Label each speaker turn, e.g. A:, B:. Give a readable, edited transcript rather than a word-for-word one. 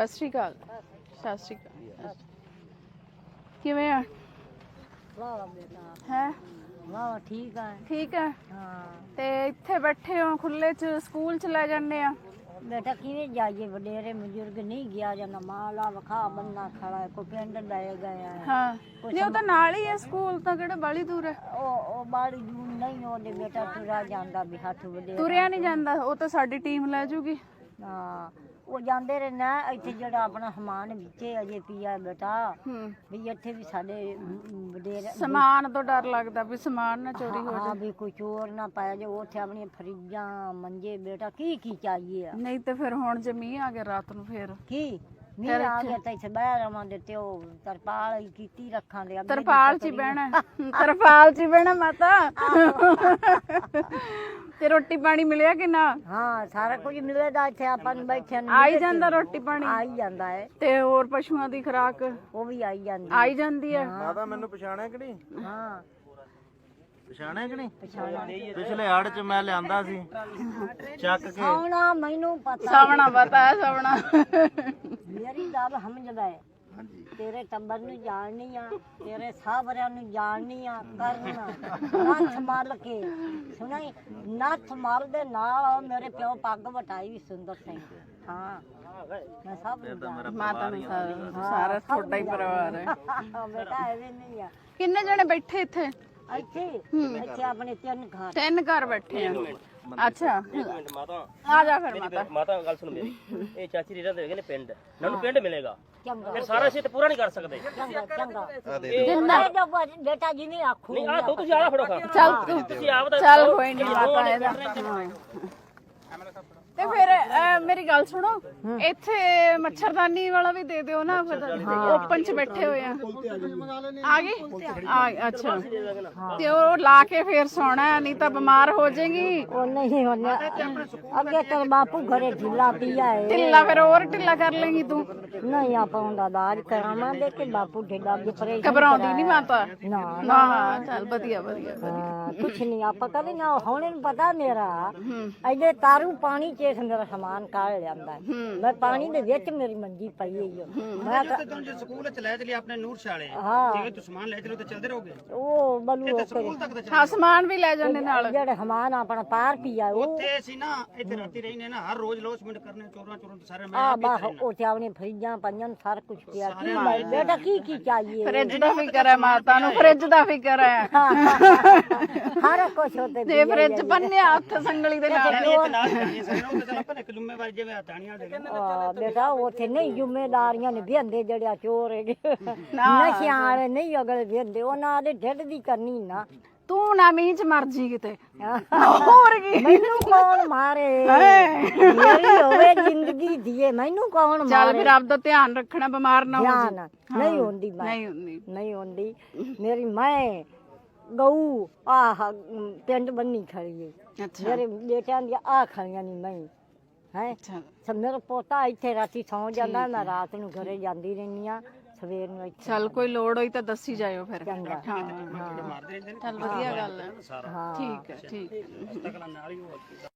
A: ਸਤਿ ਸ਼੍ਰੀ ਅਕਾਲ। ਸਤਿ ਸ਼੍ਰੀ ਅਕਾਲ। ਕਿਵੇਂ ਆ?
B: ਵਾਹ ਬੇਟਾ
A: ਹੈ
B: ਵਾਹ ਠੀਕ ਆ।
A: ਠੀਕ ਹੈ।
B: ਹਾਂ
A: ਤੇ ਇੱਥੇ ਬੈਠੇ ਹੋ ਖੁੱਲੇ ਚ, ਸਕੂਲ ਚ ਲੈ ਜਾਂਦੇ ਆ।
B: ਬੇਟਾ ਕਿਵੇਂ ਜਾਈਏ, ਵਡੇਰੇ ਬਜ਼ੁਰਗ ਨਹੀਂ ਗਿਆ ਜਾਂਦਾ, ਮਾਲਾ ਵਖਾ ਬੰਨਾ ਖੜਾ ਹੈ, ਕੋਈ ਪਿੰਡ ਲੈ ਗਿਆ ਹੈ।
A: ਹਾਂ ਨਹੀਂ ਉਹ ਤਾਂ ਨਾਲ ਹੀ ਹੈ, ਸਕੂਲ ਤਾਂ ਕਿਹੜਾ ਬਾਲੀ ਦੂਰ ਹੈ।
B: ਉਹ ਬਾੜੀ ਦੂਰ ਨਹੀਂ, ਉਹਦੇ ਬੇਟਾ ਤੁਰਾ ਜਾਂਦਾ ਵੀ ਹੱਥ ਵਡੇਰਾ
A: ਤੁਰਿਆ ਨਹੀਂ ਜਾਂਦਾ, ਉਹ ਤਾਂ ਸਾਡੀ ਟੀਮ ਲੈ ਜੂਗੀ।
B: ਹਾਂ ਉਹ ਜਾਂਦੇ ਰਹੇ ਨਾ, ਇੱਥੇ ਜਿਹੜਾ ਆਪਣਾ ਸਮਾਨ ਵਿੱਚੇ ਅਜੇ ਪਿਆ ਬੇਟਾ, ਵੀ ਇੱਥੇ ਵੀ ਸਾਡੇ ਵਡੇਰੇ
A: ਸਮਾਨ ਤੋਂ ਡਰ ਲੱਗਦਾ ਵੀ ਸਮਾਨ ਨਾ ਚੋਰੀ ਹੋ
B: ਹਾਂ ਵੀ ਕੋਈ ਚੋਰ ਨਾ ਪਾਇਆ ਜੇ, ਉੱਥੇ ਆਪਣੀਆਂ ਫਰਿੱਜਾਂ ਮੰਜੇ ਬੇਟਾ ਕੀ ਚਾਹੀਏ ਆ।
A: ਨਹੀਂ ਤੇ ਫਿਰ ਹੁਣ ਜੇ ਮੀਂਹ ਆ ਗਿਆ ਰਾਤ ਨੂੰ ਫਿਰ
B: ਕੀ ਮੀਂਹ ਆ ਗਿਆ ਤਾਂ ਇੱਥੇ ਬਹਿ ਰਵਾਂਗੇ, ਤੇ ਉਹ ਤਰਪਾਲ ਕੀਤੀ ਰੱਖਾਂਗੇ।
A: ਤਰਪਾਲ 'ਚ ਹੀ ਬਹਿਣਾ, ਤਰਪਾਲ 'ਚ ਹੀ ਬਹਿਣਾ ਮਾਤਾ। ਤੇ ਰੋਟੀ ਪਾਣੀ ਮਿਲਿਆ ਕਿ ਨਾ?
B: ਹਾਂ ਸਾਰਾ ਕੁਝ ਮਿਲੇਗਾ ਇੱਥੇ, ਆਪਾਂ ਨੂੰ ਬੈਠਿਆਂ ਨੂੰ
A: ਆਈ ਜਾਂਦਾ ਰੋਟੀ ਪਾਣੀ?
B: ਆਈ ਜਾਂਦਾ ਹੈ।
A: ਤੇ ਹੋਰ ਪਸ਼ੂਆਂ ਦੀ ਖੁਰਾਕ
B: ਉਹ ਵੀ ਆਈ ਜਾਂਦੀ
A: ਹੈ।
C: ਮਾਤਾ ਮੈਨੂੰ ਪਛਾਣਿਆ ਕਿ ਨਹੀਂ?
B: ਹਾਂ
C: ਪਛਾਣਿਆ ਕਿ ਨਹੀਂ?
B: ਪਛਾਣਿਆ।
C: ਪਿਛਲੇ ਹੜ ਚ ਮੈਂ ਲਿਆਂਦਾ ਸੀ ਚੱਕ ਕੇ।
B: ਸੌਣਾ ਮੈਨੂੰ ਪਤਾ,
A: ਸਵਣਾ ਪਤਾ ਹੈ, ਸਵਣਾ।
B: ਮੇਰੀ ਗੱਲ ਸਮਝਦਾ ਹੈ। ਤੇਰੇ ਟੱਬਰ ਨੂੰ ਜਾਣਨੀ ਆ, ਤੇਰੇ ਸਾਹਬਰਿਆਂ ਨੂੰ ਜਾਣਨੀ ਆ, ਕਰਨਾ ਨੱਥ ਮਲ ਕੇ ਸੁਣਾਈ, ਨੱਥ ਮਲ ਦੇ ਨਾਲ ਮੇਰੇ ਪਿਓ ਪੱਗ ਵਟਾਈ ਵੀ ਸੁੰਦਰ ਸਿੰਘ। ਹਾਂ ਮੈਂ ਸਭ ਨੂੰ ਜਾਣਦੀ।
A: ਮਾਤਾ ਨੂੰ ਸਾਰਾ ਤੁਹਾਡਾ ਹੀ ਪਰਿਵਾਰ ਹੈ।
B: ਬੇਟਾ ਐਵੇਂ ਨਹੀਂ ਆ।
A: ਕਿੰਨੇ ਜਣੇ ਬੈਠੇ ਇੱਥੇ?
B: ਇੱਥੇ ਆਪਣੇ
A: ਤਿੰਨ ਘਰ ਬੈਠੇ ਆ। ਅੱਛਾ
D: ਮਾਤਾ
A: ਆ ਜਾ ਫਿਰ ਮਾਤਾ।
D: ਮਾਤਾ ਗੱਲ ਸੁਣ ਮੇਰੀ, ਇਹ ਚਾਚੀ ਰੀਰਾ ਦੇ ਹੈਗੇ ਨੇ ਪਿੰਡ, ਮੈਨੂੰ ਪਿੰਡ ਮਿਲੇਗਾ,
B: ਚੰਗਾ
D: ਫਿਰ ਸਾਰਾ ਅਸੀਂ ਤੇ ਪੂਰਾ ਨਹੀਂ ਕਰ ਸਕਦੇ।
B: ਚੰਗਾ ਬੇਟਾ ਜੀ ਨੇ ਆਖੋ
D: ਨਹੀਂ ਆ ਤੂੰ ਤੁਸੀਂ ਆਲਾ ਫੜੋ ਖਾ
A: ਚੱਲ
D: ਤੁਸੀਂ ਆਪ ਦਾ
A: ਚੱਲ ਕੋਈ ਨਹੀਂ ਮਾਤਾ ਇਹਦਾ। ਤੇ ਫਿਰ ਮੇਰੀ ਗੱਲ ਸੁਣੋ, ਇੱਥੇ ਮੱਛਰਦਾਨੀ ਵਾਲਾ ਵੀ ਦੇ ਦਿਓ ਨਾ, ਓਪਨ ਚ ਬੈਠੇ ਹੋਏ ਆ। ਆ ਗਏ? ਅੱਛਾ ਤੇ ਉਹ ਲਾ ਕੇ ਫੇਰ ਸੌਣਾ, ਨਹੀਂ ਤਾਂ ਬਿਮਾਰ ਹੋ ਜਾਏਗੀ।
B: ਉਹ ਨਹੀਂ ਹੋਣਾ, ਅੱਗੇ ਤੇਰੇ ਬਾਪੂ ਘਰੇ ਢਿੱਲਾ ਪਿਆ ਹੈ।
A: ਢਿੱਲਾ ਫਿਰ ਹੋਰ ਢਿੱਲਾ ਕਰ ਲੇਗੀ ਤੂੰ।
B: ਨਹੀਂ ਆਪਾਂ ਉਹਦਾ ਇਲਾਜ ਕਰਾਵਾਂਗੇ ਕਿ ਬਾਪੂ ਢਿੱਲਾ ਵੀ ਪਰੇਸ਼ਾਨ
A: ਘਬਰਾਉਂਦੀ ਨਹੀਂ ਮਾਤਾ?
B: ਨਾ
A: ਨਾ ਚੱਲ ਵਧੀਆ ਵਧੀਆ।
B: ਕੁਛ ਨਹੀਂ ਆਪਾਂ ਕਦੇ ਨਾ ਹੁਣ ਨੂੰ ਪਤਾ ਮੇਰਾ ਇਹਦੇ ਤਾਰੂ ਪਾਣੀ ਚੇਖ ਮੇਰਾ ਸਮਾਨ ਕਾੜ ਲਿਆਂਦਾ। ਮੈਂ ਪਾਣੀ ਦੇ ਵਿੱਚ ਮੇਰੀ ਮੰਜੀ ਪਈ ਹੋਈ ਆ। ਮੈਂ ਤਾਂ
E: ਜੇ ਸਕੂਲ ਚ ਲੈ ਚਲੀ ਆਪਣੇ ਨੂਰ ਸ਼ਾਲੇ,
B: ਹਾਂ
E: ਜਿਵੇਂ ਤੂੰ ਸਮਾਨ ਲੈ ਚਲੋ ਤੇ ਚੱਲਦੇ ਰਹੋਗੇ
B: ਉਹ ਬਲੂ
E: ਸਕੂਲ ਤੱਕ ਤਾਂ
A: ਹਾਂ ਸਮਾਨ ਵੀ ਲੈ ਜਾਂਦੇ ਨਾਲ।
B: ਜਿਹੜੇ ਸਮਾਨ ਆਪਣਾ ਪਾਰ ਪੀਆ ਉਹ
E: ਉੱਥੇ ਅਸੀਂ ਨਾ ਇੱਥੇ ਰਾਤੀ ਰਹਿਨੇ ਨਾ, ਹਰ ਰੋਜ਼ ਲੋਸਮੈਂਟ ਕਰਨੇ, ਚੋਰਾਂ ਤੋਂ ਸਾਰੇ ਮੈਂ
B: ਆ ਬਾਹ ਉਹ ਚਾਵਣੀ ਫਰਿੱਜਾਂ ਪੰਜਾਂ ਸਾਰਾ ਕੁਝ ਪਿਆ। ਕੀ ਬੇਟਾ ਕੀ ਚਾਹੀਏ?
A: ਫਰਿੱਜ ਦਾ ਫਿਕਰ ਹੈ ਮਾਤਾ ਨੂੰ, ਫਰਿੱਜ ਦਾ ਫਿਕਰ ਹੈ।
B: ਹਰ ਕੁਝ ਹੋਤੇ
A: ਜੇ ਫਰਿੱਜ ਬੰਨਿਆ ਹੱਥ ਸੰਗਲੀ ਦੇ ਨਾਲ।
E: ਨਾਲ ਜਾਣੀ ਸਾਰੇ ਉਹ ਤਾਂ ਆਪਾਂ ਇੱਕ ਜ਼ਿੰਮੇਵਾਰੀ ਜਿਵੇਂ ਹਟਾਣੀਆਂ ਦੇ
B: ਬੇਟਾ ਉੱਥੇ ਨਹੀਂ ਜ਼ਿੰਮੇਦਾਰੀਆਂ ਨੇ ਵਿਹੰਦੇ ਜਿਹੜੇ ਚੋਰ ਹੈਗੇ ਨਸ਼ਿਆਂ ਵਾਲੇ ਨਹੀਂ ਅਗਲੇ ਵਿਹੰਦੇ, ਉਹਨਾਂ ਦੇ ਢਿੱਡ ਦੀ ਕਰਨੀ ਨਾ।
A: ਤੂੰ ਨਾ ਮੀਂਹ ਚ ਮਰ ਜੀ ਕਿਤੇ, ਹੋਰ ਕੀ।
B: ਮੈਨੂੰ ਕੌਣ ਮਾਰੇ, ਮੇਰੀ ਹੋਵੇ ਜ਼ਿੰਦਗੀ ਦੀਏ, ਮੈਨੂੰ ਕੌਣ ਮਾਰੇ।
A: ਚੱਲ ਫਿਰ ਆਪਦਾ ਧਿਆਨ ਰੱਖਣਾ, ਬਿਮਾਰ ਨਾ ਹੋ ਜਾ।
B: ਨਹੀਂ ਹੁੰਦੀ ਨਹੀਂ ਹੁੰਦੀ ਮੇਰੀ ਮੈਂ ਗਊ ਆਹ ਪਿੰਡ ਬੰਨੀ ਖੜੀ ਹੈ। ਮੇਰੇ ਬੇਟਿਆਂ ਦੀਆਂ ਆ ਖੜੀਆਂ ਨਹੀਂ ਮੈਂ ਹੈ। ਮੇਰਾ ਪੋਤਾ ਇੱਥੇ ਰਾਤੀ ਸੌਂ ਜਾਂਦਾ, ਮੈਂ ਰਾਤ ਨੂੰ ਘਰੇ ਜਾਂਦੀ ਰਹਿੰਦੀ ਆ, ਸਵੇਰ ਨੂੰ ਇੱਥੇ।
A: ਚੱਲ ਕੋਈ ਲੋੜ ਹੋਈ ਤਾਂ ਦੱਸੀ ਜਾਇਓ ਫਿਰ।
B: ਚੰਗਾ
A: ਹਾਂ ਚੱਲ ਵਧੀਆ ਗੱਲ ਹੈ। ਠੀਕ ਹੈ ਠੀਕ ਹੈ।